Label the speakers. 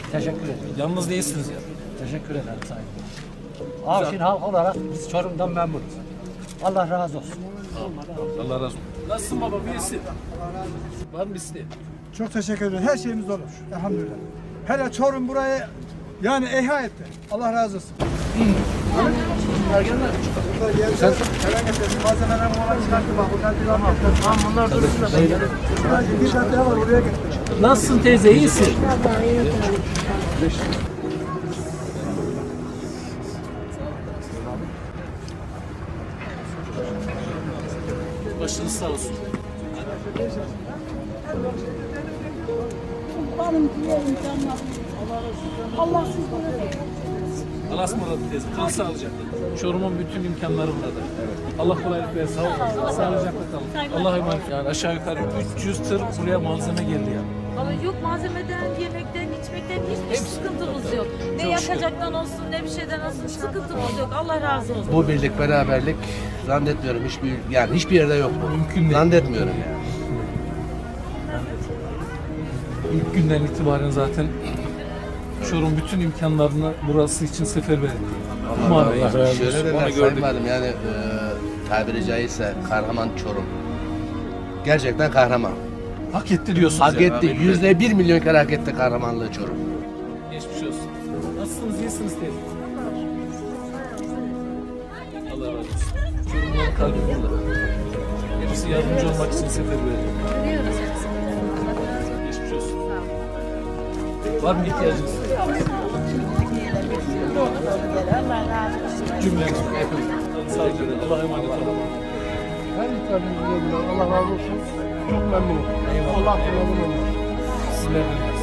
Speaker 1: Teşekkür ederim.
Speaker 2: Yalnız değilsiniz ya.
Speaker 1: Teşekkür ederim sayın. Avşin halk olarak biz Çorum'dan memnunuz. Allah razı olsun.
Speaker 2: Allah razı olsun. Nasılsın baba? İyisin. Var mı isteğin?
Speaker 3: Çok teşekkür ederim. Her şeyimiz olur. Elhamdülillah. Hele Çorum burayı yani ihya etti. Allah razı olsun. Sen malzemeler falan çıkarttı bak. Bunlar dursun da. Bir tane daha var oraya getir.
Speaker 2: Nasılsın teyze? İyisin. Başınız sağ olsun.
Speaker 4: Benim diyelim canım. Allah sizlere
Speaker 2: Allah'a ısmarladık teyze. Kal sağlıcakla. Çorum'un bütün imkanları burada. Allah kolaylık versin. Sağlıcakla kalın. Allah'a emanet. Yani aşağı yukarı 300 tır buraya malzeme geldi yani.
Speaker 5: Ama yok malzemeden, yemekten, içmekten hiçbir sıkıntımız yok. Ne
Speaker 2: Çok şükür.
Speaker 5: yakacaktan olsun, ne bir şeyden olsun sıkıntımız yok. Allah razı olsun.
Speaker 6: Bu birlik beraberlik zannetmiyorum hiçbir yerde yok bu.
Speaker 2: Mümkün değil.
Speaker 6: Zannetmiyorum yani.
Speaker 2: İlk günden itibaren zaten Çorum bütün imkanlarını burası için seferber etti.
Speaker 6: Allah
Speaker 2: razı olsun.
Speaker 6: Şöyle
Speaker 2: Onu
Speaker 6: dediler
Speaker 2: gördük.
Speaker 6: Sayın Valim yani tabiri caizse kahraman Çorum. Gerçekten kahraman.
Speaker 2: Hak etti diyorsunuz.
Speaker 6: Hak
Speaker 2: yani.
Speaker 6: etti. %1 milyon kere hak etti kahramanlığı Çorum.
Speaker 2: Geçmiş olsun. Nasılsınız? İyisiniz teyze? Allah razı olsun. Çorumluların kalbi burada. Hepsi yardımcı olmak için seferber ediyor.
Speaker 5: Biliyoruz hepsini.
Speaker 2: Geçmiş olsun. Var mı ihtiyacınız? Cümlemiz hepimiz. Sağlıcakla. Allah'a emanet olun.
Speaker 3: Her ihtiyacınız Allah razı olsun. Çok memnunum.
Speaker 2: Eyvallah.
Speaker 3: Allah memnun olsun.
Speaker 2: Sizlerden.